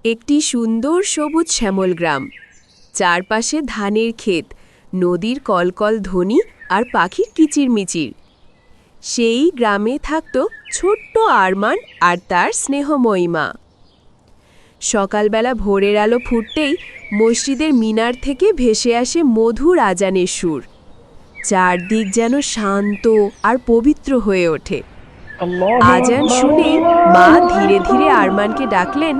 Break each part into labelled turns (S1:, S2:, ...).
S1: একটি সুন্দর সবুজ শ্যামল গ্রাম। চারপাশে ধানের ক্ষেত, নদীর কলকল ধ্বনি আর পাখির কিচিরমিচির। সেই গ্রামে থাকত ছোট্ট আরমান আর তার স্নেহময়ী মা। সকালবেলা ভোরের আলো ফুটতেই মসজিদের মিনার থেকে ভেসে আসে মধুর আজানের সুর। চারদিক যেন শান্ত আর পবিত্র হয়ে ওঠে। আজান শুনেই মা ধীরে ধীরে আরমানকে ডাকলেন,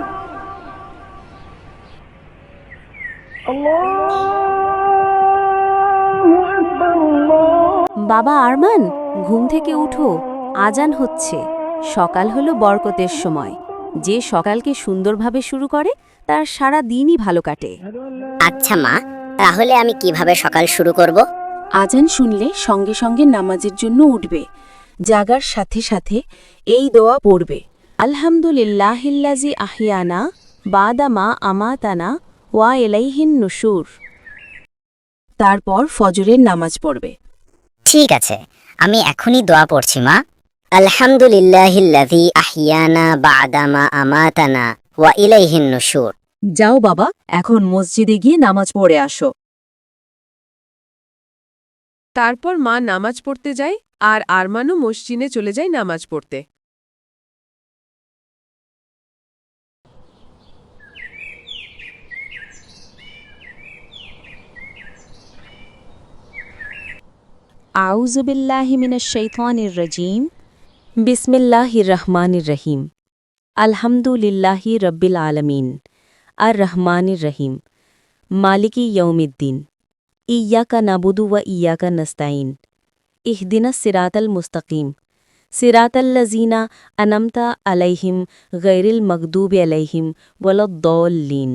S2: বাবা আরমান, ঘুম থেকে উঠো, আজান হচ্ছে। সকাল হলো বরকতের সময়। যে সকালকে সুন্দরভাবে শুরু করে তার সারা দিনই ভালো কাটে।
S3: আচ্ছা মা, তাহলে আমি কিভাবে সকাল শুরু করব?
S2: আজান শুনলে সঙ্গে সঙ্গে নামাজের জন্য উঠবে। জাগার সাথে সাথে এই দোয়া পড়বে, আলহামদুলিল্লাহিল্লাজি আহিয়ানা বাদা মা আমাতানা ওয়া ইলাইহিন নুশুর। তারপর ফজরের নামাজ পড়বে।
S3: ঠিক আছে, আমি এখনই দোয়া পড়ছি মা। আলহামদুলিল্লাহিল্লাযী আহিয়ানা বা'দা মা আমাতানা ওয়া ইলাইহিন নুশুর।
S2: যাও বাবা, এখন মসজিদে গিয়ে নামাজ পড়ে আসো।
S1: তারপর মা নামাজ পড়তে যায় আর আরমানও মসজিদে চলে যায় নামাজ পড়তে।
S2: আউযু বিল্লাহি মিনাশ শাইতানির রাজীম। বিসমিল্লাহির রহমানির রহিম। আলহামদুলিল্লাহি রাব্বিল আলামিন। আর রহমানির রহিম। মালিকি ইয়াউমিদ্দিন। ইয়্যাকা নাবুদু ওয়া ইয়্যাকা নাস্তাইন। ইহদিনাস সিরাতাল মুস্তাকিম। সিরাতাল্লাযীনা আনআমতা আলাইহিম গায়রিল মাগদুবি আলাইহিম ওয়ালাদ-দাল্লিন।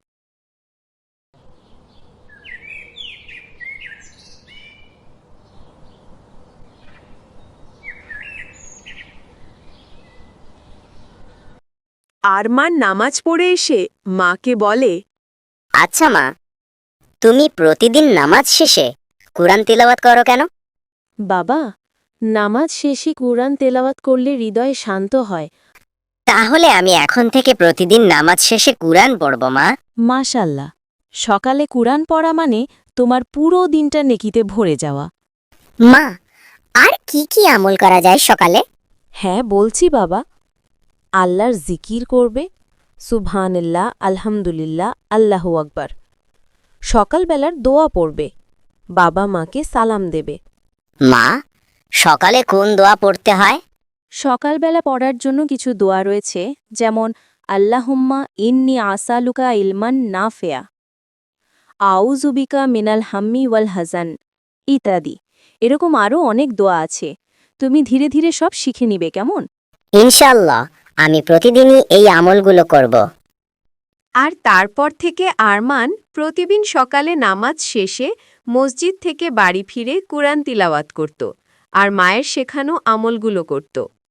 S1: আরমান নামাজ পড়ে এসে মাকে বলে,
S3: আচ্ছা মা, তুমি প্রতিদিন নামাজ শেষে কুরআন তিলাওয়াত করো কেন?
S2: বাবা, নামাজ শেষে কুরআন তেলাওয়াত করলে হৃদয় শান্ত হয়।
S3: তাহলে আমি এখন থেকে প্রতিদিন নামাজ শেষে কুরআন পড়ব মা।
S2: মাশাল্লাহ, সকালে কুরআন পড়া মানে তোমার পুরো দিনটা নেকিতে ভরে যাওয়া।
S3: মা, আর কি কি আমল করা যায় সকালে?
S2: হ্যাঁ বলছি বাবা, আল্লাহর জিকির করবে, সুবহানাল্লাহ, আলহামদুলিল্লাহ, আল্লাহু আকবার। সকালবেলার দোয়া পড়বে, বাবা মাকে সালাম দেবে।
S3: মা, সকালে কোন দোয়া পড়তে হয়?
S2: সকালবেলা পড়ার জন্য কিছু দোয়া রয়েছে, যেমন আল্লাহুম্মা ইন্নি আসালুকা ইলমান নাফিয়া, আউযুবিকা মিনাল হাম্মি ওয়াল হাজান ইত্যাদি। এরকম আরও অনেক দোয়া আছে। তুমি ধীরে ধীরে সব শিখে নিবে, কেমন?
S3: ইনশাআল্লাহ, আমি প্রতিদিনই এই আমলগুলো করব।
S1: আর তারপর থেকে আরমান প্রতিদিন সকালে নামাজ শেষে মসজিদ থেকে বাড়ি ফিরে কুরআন তিলাওয়াত করত আর মায়ের শেখানো আমলগুলো করত।